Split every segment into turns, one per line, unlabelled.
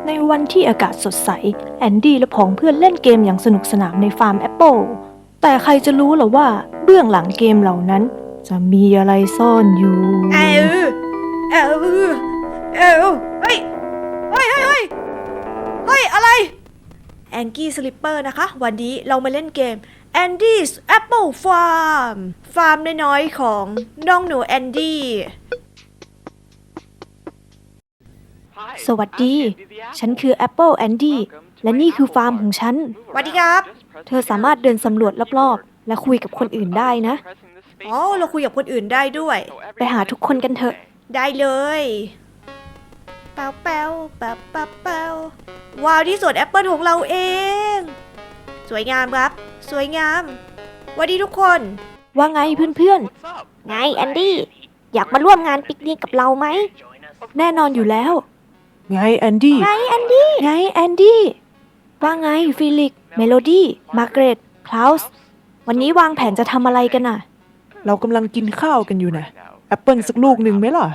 ในวันที่อากาศสดใสแอนดี้และผองเพื่อนเล่นเกมอย่างสนุกสนานในฟาร์มแอปเปิลแต่ใครจะรู้หรอว่าเบื้องหลังเกมเหล่านั้นจะมีอะไรซ่อนอยู่
เฮ้ยเฮ้ยอะไรแองกี้สลิปเปอร์นะคะวันนี้เรามาเล่นเกม Andy's Apple Farm ฟาร์มน้อยๆของน้องหนูแอนดี้
สวัสดีฉันคือแอปเปิลแอนดี้และนี่คือฟาร์มของฉัน
สวัสดีครับ
เธอสามารถเดินสำรวจรอบๆและคุยกับคนอื่นได้นะ
อ๋อเราคุยกับคนอื่นได้ด้วย
ไปหาทุกคนกันเถอะ
ได้เลยเปาว้าวที่สวนแอปเปิลของเราเองสวยงามครับสวยงามสวัสดีทุกคน
ว่าไงเพื่อน
ไงแอนดี้อยากมาร่วมงานปิกนิกกับเราไหม
ๆแน่นอนอยู่แล้ว
ไงแอนดี้
ไงแอนดี้
ไงแอนดี้ว่าไงฟิลิกเมโลดี้มาร์เกรตคลาวส์วันนี้วางแผนจะทำอะไรกันน่ะ
เรากำลังกินข้าวกันอยู่นะแอปเปิลสักลูกหนึ่งไหมล่ะ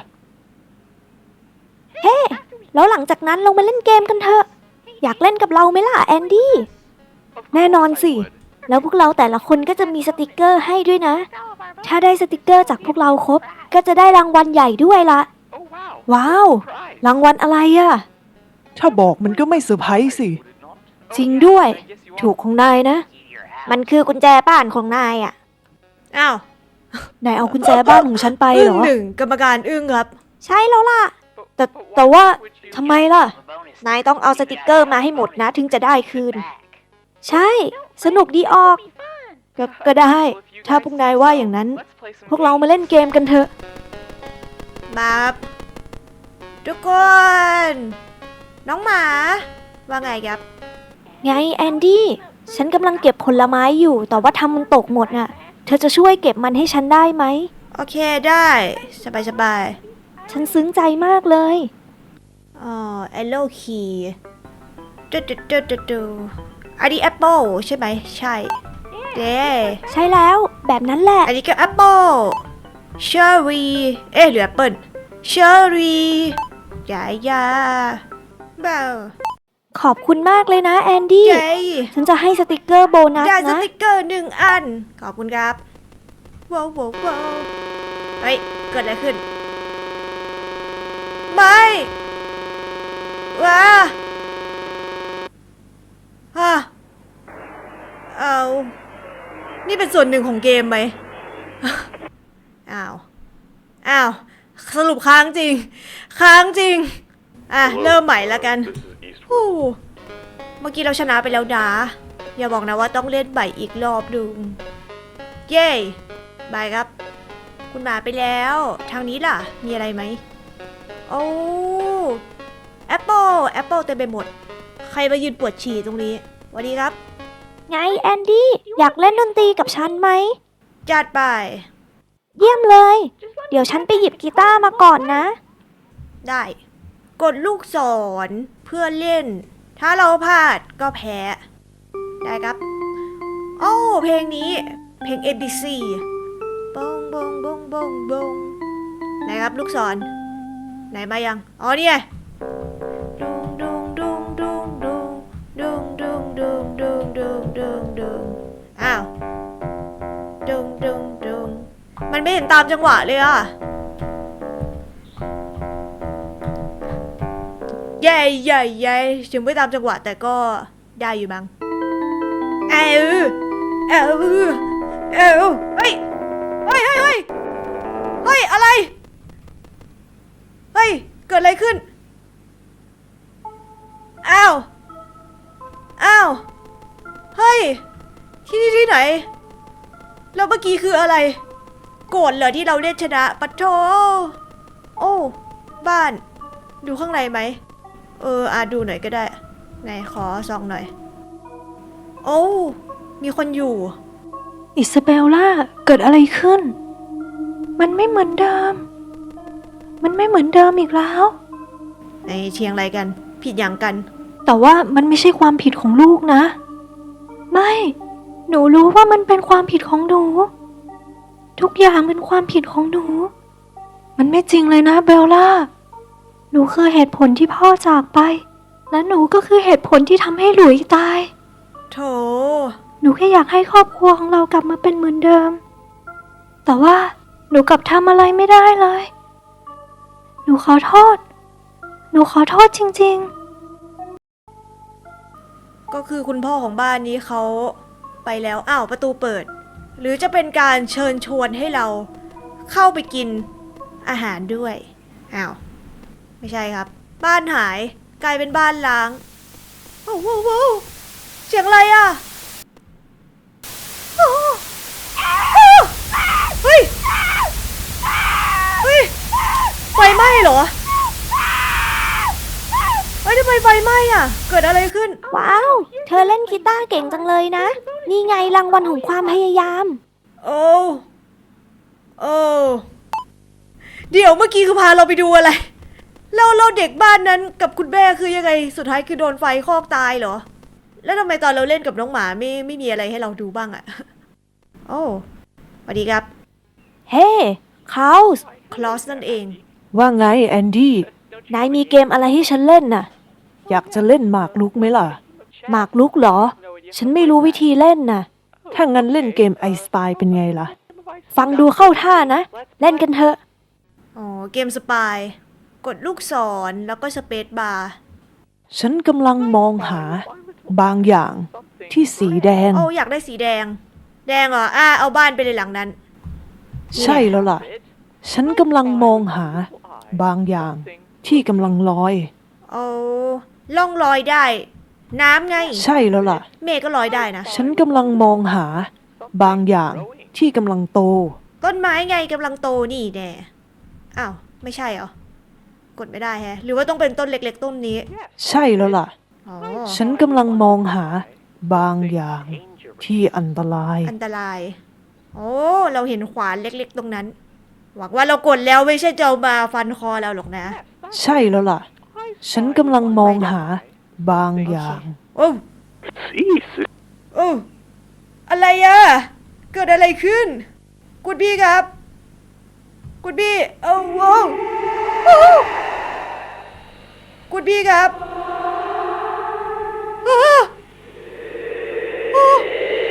เฮ้ แล้วหลังจากนั้นเรามาเล่นเกมกันเถอะอยากเล่นกับเราไหมล่ะแอนดี้
แน่นอนสิ
แล้วพวกเราแต่ละคนก็จะมีสติกเกอร์ให้ด้วยนะถ้าได้สติกเกอร์จากพวกเราครบก็จะได้รางวัลใหญ่ด้วยละ
ว้าวรางวัลอะไรอะ
ถ้าบอกมันก็ไม่เซอร์ไพรส์สิ
จริงด้วยถูกของนายนะ
มันคือกุญแจบ้านของนายอ่ะ
อ้าวน
ายเอากุญแจบ้านของฉันไป
อึ้
เหรง อ
หนึ่งกรรมการอึ้งครับ
ใช่แล้วล่ะ
แต่ว่าทำไมล่ะ
นายต้องเอาสติกเกอร์มาให้หมดนะถึงจะได้คืนใช่สนุกดีออก
ก็ได้ ถ้าพวกนายว่าอย่างนั้น พวกเรามาเล่นเกมกันเถอะ
มาทุกคน น้องหมา ว่าไงครับ
ไงแอนดี้ฉันกำลังเก็บผลไม้อยู่แต่ว่าทำมันตกหมดน่ะเธอจะช่วยเก็บมันให้ฉันได้ไหม
โอเคได้สบาย
ฉันซึ้งใจมากเลย
แอลโลคีดูอันนี้แอปเปิลใช่ไหมใช่เด้
ใช่แล้วแบบนั้นแหละ
อันนี้ก็แอปเปิลเชอร์รี่หรือแอปเปิลเชอร์รี่ยาเบล
ขอบคุณมากเลยนะแอนดี้
เย้
ฉันจะให้สติกเกอร์โบนัส
ได้ส
นะ
ติกเกอร์1 อัน ขอบคุณครับว้าวเฮ้ย เกิดอะไรขึ้น ไม่ว้าฮะเอานี่เป็นส่วนหนึ่งของเกมไหม อ้าว สรุปค้างจริง เริ่มใหม่แล้วกันเมื่อกี้เราชนะไปแล้วนะอย่าบอกนะว่าต้องเล่นใหม่อีกรอบดึงเย้บายครับ คุณหมาไปแล้วทางนี้ล่ะมีอะไรไหมโอ้แอปเปิลเต็มไปหมดใครมายืนปวดฉี่ตรงนี้สวัสดีครับ
ไงแอนดี้อยากเล่นดนตรีกับฉันไหม
จัดไป
เยี่ยมเลย เดี๋ยวฉันไปหยิบกีตาร์มาก่อนนะ
ได้กดลูกศรเพื่อเล่นถ้าเราพลาดก็แพ้ได้ครับโอ้เพลงนี้เพลง ABC บงไหนครับลูกศรไหนมายังอ๋อนี่ไงดุงอ้าวดุงมันไม่เห็นตามจังหวะเลยอ่ะเย้ถึงไม่ตามจังหวะแต่ก็ได้อยู่มั้งเฮ้ยอะไรเฮ้ยเกิดอะไรขึ้นอ้าวเฮ้ยที่นี่ที่ไหนแล้วเมื่อกี้คืออะไรโกรธเหรอที่เราเล่นชนะปะโถโอ้บ้านดูข้างในไหมดูหน่อยก็ได้ไหนขอส่องหน่อยโอ้มีคนอยู่
อิซาเบลล่าเกิดอะไรขึ้นมันไม่เหมือนเดิมอีกแล้ว
ในเชียงอะไรกันผิดอย่างกัน
แต่ว่ามันไม่ใช่ความผิดของลูกนะไม่หนูรู้ว่ามันเป็นความผิดของหนูทุกอย่างเป็นความผิดของหนูมันไม่จริงเลยนะเบลล่าหนูคือเหตุผลที่พ่อจากไป
และหนูก็คือเหตุผลที่ทำให้หลุยตาย
โถ
หนูแค่อยากให้ครอบครัวของเรากลับมาเป็นเหมือนเดิม แต่ว่าหนูกลับทำอะไรไม่ได้เลย หนูขอโทษ หนูขอโทษจริงๆ
ก็คือคุณพ่อของบ้านนี้เขาไปแล้ว อ้าวประตูเปิด หรือจะเป็นการเชิญชวนให้เราเข้าไปกินอาหารด้วย อ้าว ไม่ใช่ครับ บ้านหายกลายเป็นบ้านล้างโอ้โหโอ้โหเสียงอะไรอ่ะโอ้โหเฮ้ย เฮ้ย ไฟไหม้เหรอ เฮ้ยทำไมไฟไหม้อ่ะ เกิดอะไรขึ้น
ว้าว เธอเล่นกีตาร์เก่งจังเลยนะ นี่ไงรางวัลของความพยายาม
โอ้โอ้เดี๋ยวเมื่อกี้คือพาเราไปดูอะไรเราเด็กบ้านนั้นกับคุณแม่คือยังไง สุดท้ายคือโดนไฟคลอกตายเหรอ แล้วทำไมตอนเราเล่นกับน้องหมาไม่มีอะไรให้เราดูบ้างอะโอ้สวัสดีครับ
เฮ้คลาวส์
คลอสนั่นเอง
ว่าไงแอนดี้
นายมีเกมอะไรให้ฉันเล่นน่ะ
อยากจะเล่นหมากรุกไหมล่ะ
หมากรุกเหรอ ฉันไม่รู้วิธีเล่นน่ะ
ถ้างั้นเล่นเกมไอสปายเป็นไงล่ะ
ฟังดูเข้าท่านะ เล่นกันเถอะ
อ๋อ เกมสปาย กดลูกศรแล้วก็สเปซบาร์
ฉันกำลังมองหาบางอย่างที่สีแดง
โอ้อยากได้สีแดง แดงเหรอ เอาบ้านไปเลยหลังนั้น
ใช่แล้วล่ะ ฉันกำลังมองหาบางอย่างที่กำลังลอย
เอาล่องลอยได้ น้ำไง
ใช่แล้วล่ะ
เมฆก็ลอยได้นะ
ฉันกำลังมองหาบางอย่างที่กำลังโต
ต้นไม้ไงกำลังโตนี่แน่อ้าว ไม่ใช่เหรอ กดไม่ได้แฮะ หรือว่าต้องเป็นต้นเล็กๆต้นนี้
ใช่แล้วล่ะ
อ๋อ
ฉันกำลังมองหาบางอย่างที่อันตราย
อันตราย โอ้ เราเห็นขวานเล็กๆตรงนั้น หวังว่าเรากดแล้วไม่ใช่จะเอามาฟันคอเราหรอกนะ
ใช่แล้วล่ะ ฉันกำลังมองหาบางอย่าง
โอ้โอ้อะไรอะเกิดอะไรขึ้นกุดบี้ครับกุดบี้โอ้โหกุดบี้ครับอ้าอ้า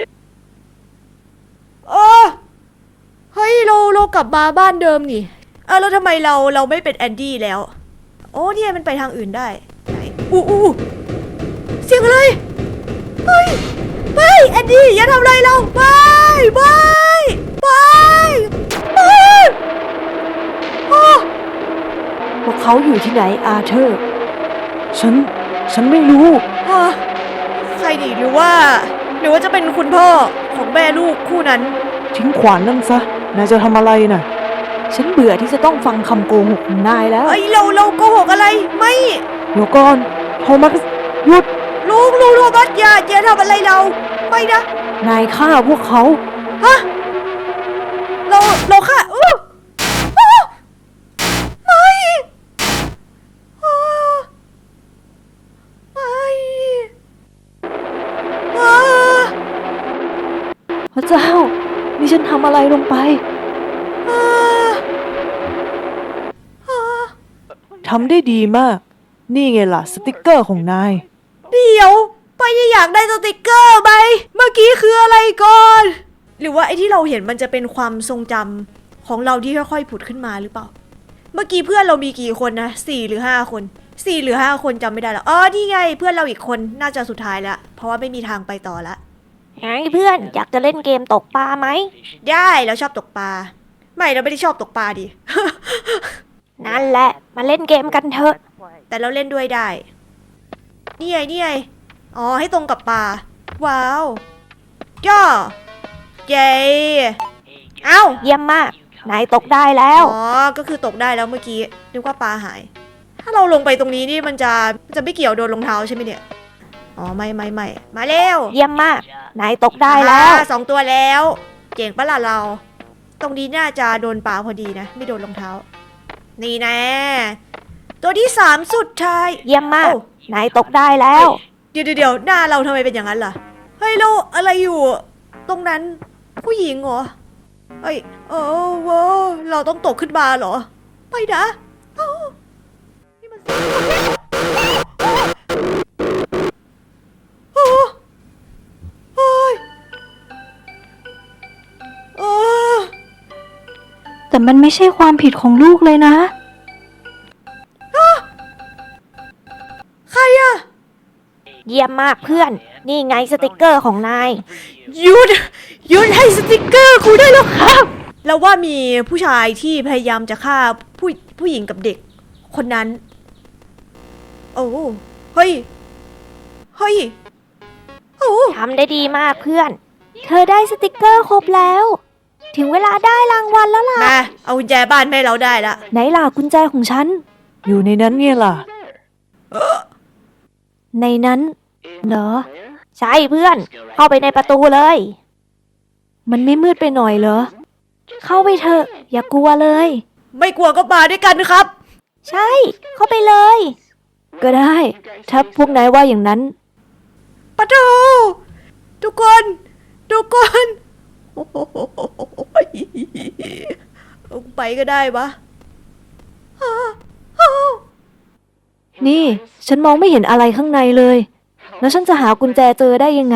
อ้าเฮ้ยเรากลับมาบ้านเดิมนี่แล้วทำไมเราไม่เป็นแอนดี้แล้ว โอ้เนี่ยมันไปทางอื่นได้ไหนอู้เสียงอะไรไม่แอนดี้อย่าทำอะไรเราไม่อ้า
พวกเขาอยู่ที่ไหนอาเธอร์
ฉันไม่รู้
ใครดีหรือว่าจะเป็นคุณพ่อของแม่ลูกคู่นั้น
ทิ้งขวานนั่นซะ นายจะทำอะไรน่ะ
ฉันเบื่อที่จะต้องฟังคำโกหกของนายแล้ว
เอ้ยเราโกหกอะไรไม่
เดี๋ยวก่อน โทมัส หยุด
ลูกโรบัสอย่าทำอะไรเราไม่นะ
นายฆ่าพวกเขา
ฮะเราค่ะไม่อ้าไม่อ้า
พระเจ้า นี่ฉันทำอะไรลงไป
อ้าอ้า
ทำได้ดีมาก นี่ไงล่ะ สติกเกอร์ของนาย
เดี๋ยวไปอยากได้สติกเกอร์ไหมเมื่อกี้คืออะไรก่อน หรือว่าไอ้ที่เราเห็นมันจะเป็นความทรงจำของเราที่ค่อยๆผุดขึ้นมาหรือเปล่า เมื่อกี้เพื่อนเรามีกี่คนนะ4 หรือ 5 คน4 หรือ 5 คนจำไม่ได้แล้วอ๋อนี่ไงเพื่อนเราอีกคนน่าจะสุดท้ายแล้วเพราะว่าไม่มีทางไปต่อละ
ไงเพื่อนอยากจะเล่นเกมตกปลาไหม
ได้เราชอบตกปลาไม่เราไม่ได้ชอบตกปลาดิ
นั่นแหละมาเล่นเกมกันเถอะ
แต่เราเล่นด้วยได้นี่ไงอ๋อให้ตรงกับปลาว้าวย่อเย้เอ้า
เยี่ยมมาก นายตกได้แล้ว
อ๋อ ก็คือตกได้แล้วเมื่อกี้นึกว่าปลาหาย ถ้าเราลงไปตรงนี้นี่มันจะไม่เกี่ยวโดนรองเท้าใช่ไหมเนี่ย อ๋อไม่มาเร็ว
เยี่ยมมาก นายตกได้แล้ว
2 ตัวแล้ว เจ๋งปะล่ะเรา ตรงนี้น่าจะโดนปลาพอดีนะ ไม่โดนรองเท้า นี่แน่ตัวที่3สุดท้าย
เยี่ยมมาก
โอ้
นายตกได้แล้ว
เดี๋ยวหน้าเราทำไมเป็นอย่างนั้นล่ะ เฮ้ยเราอะไรอยู่ ตรงนั้นผู้หญิงเหรอ เฮ้ยว้าวเราต้องตกขึ้นมาเหรอ ไปนะเอ้านี่มัน
มันไม่ใช่ความผิดของลูกเลยนะ
ใครอะ
เยี่ยมมากเพื่อน นี่ไงสติกเกอร์ของนาย
หยุดให้สติกเกอร์กูได้แล้วครับ แล้วว่ามีผู้ชายที่พยายามจะฆ่าผู้หญิงกับเด็ก คนนั้น โอ้เฮ้ยโอ้
ทำได้ดีมากเพื่อน เธอได้สติกเกอร์ครบแล้ว ถึงเวลาได้รางวัลแล้วล่ะ
มาเอากุญแจบ้านแม่เราได้ละ
ไหนล่ะกุญแจของฉัน
อยู่ในนั้นไงล่ะ
ในนั้นเหรอ ใช่เพื่อน เข้าไปในประตูเลย มันไม่มืดไปหน่อยเหรอ เข้าไปเถอะ อย่ากลัวเลย
ไม่กลัวก็มาด้วยกันครับ
ใช่ เข้าไปเลย ก็ได้ ถ้าพวกนายว่าอย่างนั้น
ปะโถทุกคน โอ้โหลงไปก็ได้วะ
นี่ ฉันมองไม่เห็นอะไรข้างในเลย แล้วฉันจะหากุญแจเจอได้ยังไง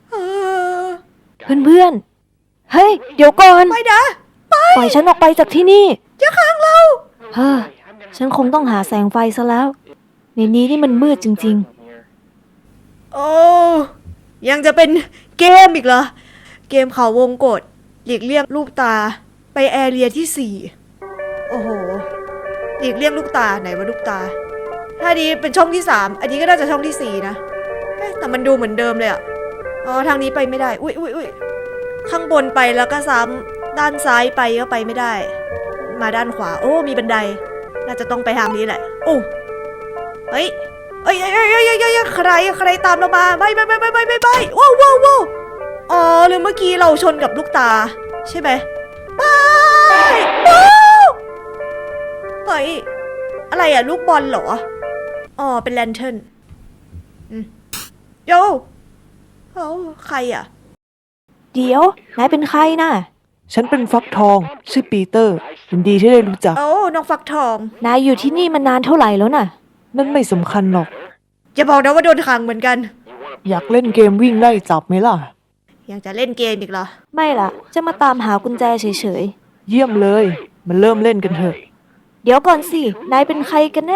เพื่อนๆ เฮ้ย เดี๋ยวก่อน
ไปนะ
ปล่อยฉันออกไปจากที่นี่
อย่าขังเรา
เฮ้อ ฉันคงต้องหาแสงไฟซะแล้ว ในนี้นี่มันมืดจริง
โอ้ยังจะเป็นเกมอีกเหรอ เกมเขาวงกฏหลีกเลี่ยงลูกตาไปแอเรียที่4โอ้โหหลีกเลี่ยงลูกตาไหนว่าลูกตา ถ้านี้เป็นช่องที่3อันนี้ก็น่าจะช่องที่4นะเอ๊ะแต่มันดูเหมือนเดิมเลยอะอ๋อทางนี้ไปไม่ได้อุ้ยข้างบนไปแล้วก็ซ้ำด้านซ้ายไปก็ไปไม่ได้ มาด้านขวาโอ้มีบันได น่าจะต้องไปทางนี้แหละโอ้เฮ้ยใครตามเรามาไม่ว้าวอ๋อหรือเมื่อกี้เราชนกับลูกตาใช่ไหมว้าวเฮ้ยอะไรอะลูกบอลเหรออ๋อเป็นแลนเทิร์นโยใครอะ
ๆ เดี๋ยว นายเป็นใครน่ะ
ฉันเป็นฟักทอง ชื่อปีเตอร์ยินดีที่ได้รู้จัก
โอ้น้องฟักทอง
นายอยู่ที่นี่มานานเท่าไหร่แล้วน่ะ
นั่นไม่สำคัญหรอก
อย่าบอกนะว่าโดนขังเหมือนกัน
อยากเล่นเกมวิ่งไล่จับไหมล่ะ
ยังจะเล่นเกมอีกเหรอ
ไม่ล่ะ จะมาตามหากุญแจเฉย
เยี่ยมเลย มันเริ่มเล่นกันเถอะ
ๆ เดี๋ยวก่อนสิ นายเป็นใครกันแน่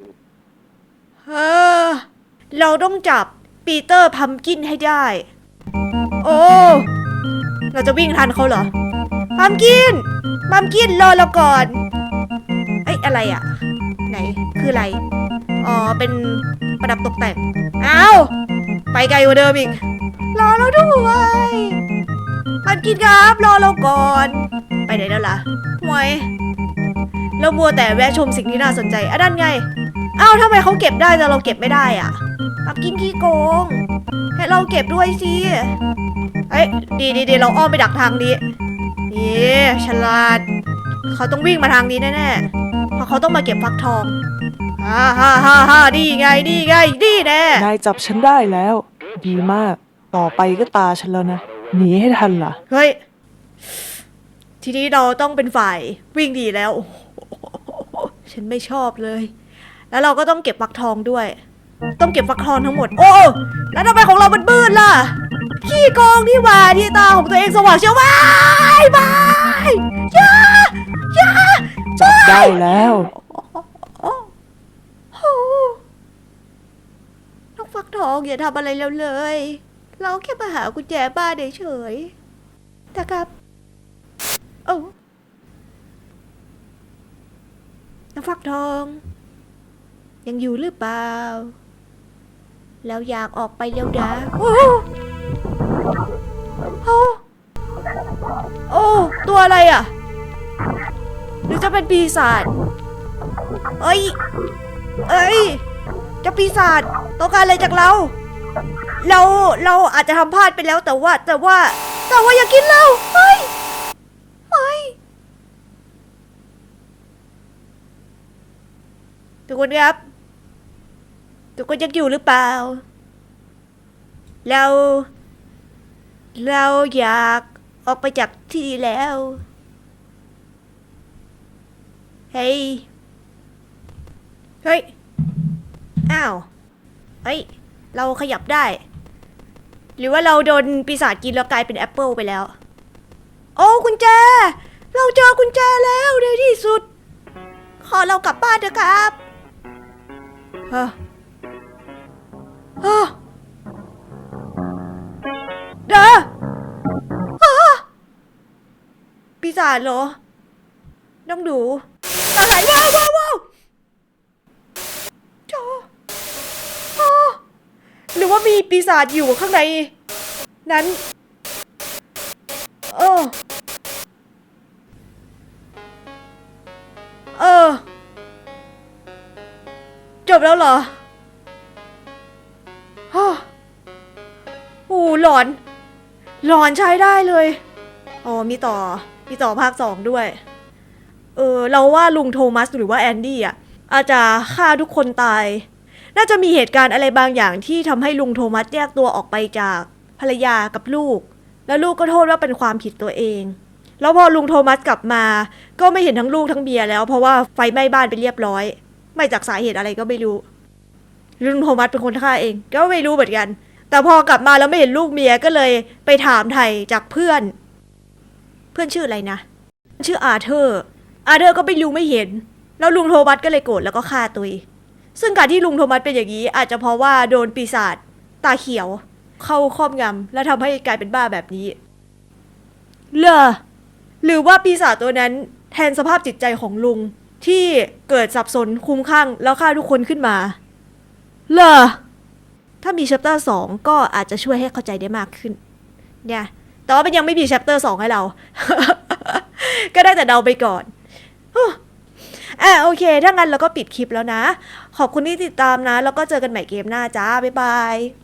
เราต้องจับปีเตอร์พัมกินให้ได้ โอ้ เราจะวิ่งทันเขาเหรอ พัมกินรอเราก่อน เอ้ยอะไรอะไหน คืออะไร อ๋อ เป็นประดับตกแต่ง อ้าว ไปไกลกว่าเดิมอีก รอเราด้วยพัมกินครับ รอเราก่อน ไปไหนแล้วล่ะห่วยเรามัวแต่แวะชมสิ่งที่น่าสนใจอ่ะนั่นไง อ้าวทำไมเขาเก็บได้แต่เราเก็บไม่ได้อ่ะปักกินขี้โกง ให้เราเก็บด้วยสิเอ้ยดีเราอ้อมไปดักทางนี้นี่ฉลาด เขาต้องวิ่งมาทางนี้แน่ๆ เพราะเขาต้องมาเก็บฟักทองฮ่านี่ไงนี่แน่
นายจับฉันได้แล้ว ดีมาก ต่อไปก็ตาฉันแล้วนะ หนีให้ทันล่ะ
เฮ้ย ทีนี้เราต้องเป็นฝ่ายวิ่งดีแล้วโอ้โหฉันไม่ชอบเลย แล้วเราก็ต้องเก็บฟักทองด้วย ต้องเก็บฟักทองทั้งหมด โอ้ แล้วทำไมของเรามันมืดล่ะ ขี้โกงที่ว่าที่ตาของตัวเองสว่างเชียวว้ายอย่า
จับได้แล้ว
น้องฟักทองอย่าทำอะไรเราเลย เราแค่มาหากุญแจบ้านเฉยๆนะครับโอ้น้องฟักทอง ยังอยู่หรือเปล่า แล้วอยากออกไปเร็วนะโอ้ตัวอะไรอ่ะ หรือจะเป็นปีศาจเอ้ยเจะปีศาจต้องการอะไรจากเรา เราอาจจะทำพลาดไปแล้วแต่ว่าอย่ากินเราไม่ทุกคนครับ ทุกคนยังอยู่หรือเปล่า เราอยากออกไปจากที่นี่แล้ว เฮ้ย อ้าว เฮ้ย เราขยับได้ หรือว่าเราโดนปีศาจกินแล้วกลายเป็นแอปเปิลไปแล้ว โอ้กุญแจเราเจอกุญแจแล้วในที่สุด ขอเรากลับบ้านเถอะครับเฮ้อเฮ้อเด้อปีศาจเหรอ น้องดูอะไรว้าวว้าวว้าวโจอ้อหรือว่ามีปีศาจอยู่ข้างในนั้นเออจบแล้วเหรอฮ่าโอ้หลอน หลอนใช้ได้เลยอ๋อมีต่อภาค 2ด้วยเราว่าลุงโทมัสหรือว่าแอนดี้อ่ะอาจจะฆ่าทุกคนตาย น่าจะมีเหตุการณ์อะไรบางอย่างที่ทำให้ลุงโทมัสแยกตัวออกไปจากภรรยากับลูก แล้วลูกก็โทษว่าเป็นความผิดตัวเอง แล้วพอลุงโทมัสกลับมาก็ไม่เห็นทั้งลูกทั้งเมียแล้วเพราะว่าไฟไหม้บ้านไปเรียบร้อย ไม่จากสาเหตุอะไรก็ไม่รู้ลุงโทมัสเป็นคนฆ่าเองก็ไม่รู้เหมือนกัน แต่พอกลับมาแล้วไม่เห็นลูกเมียก็เลยไปถามไถ่จากเพื่อนชื่ออะไรนะชื่ออาเธอร์ก็ไม่รู้ไม่เห็นแล้วลุงโทมัสก็เลยโกรธแล้วก็ฆ่าตัวเองซึ่งการที่ลุงโทมัสเป็นอย่างนี้อาจจะเพราะว่าโดนปีศาจตาเขียวเข้าครอบงำและทำให้กลายเป็นบ้าแบบนี้หรือว่าปีศาจตัวนั้นแทนสภาพจิตใจของลุงที่เกิดสับสนคลุ้มคลั่งแล้วฆ่าทุกคนขึ้นมาถ้ามี chapter 2 ก็อาจจะช่วยให้เข้าใจได้มากขึ้นเนี่ยแต่ว่ามันยังไม่มี chapter 2 ให้เรา ก็ได้แต่เดาไปก่อนโอเคถ้างั้นเราก็ปิดคลิปแล้วนะขอบคุณที่ติดตามนะแล้วก็เจอกันใหม่เกมหน้าจ้าบ๊ายบาย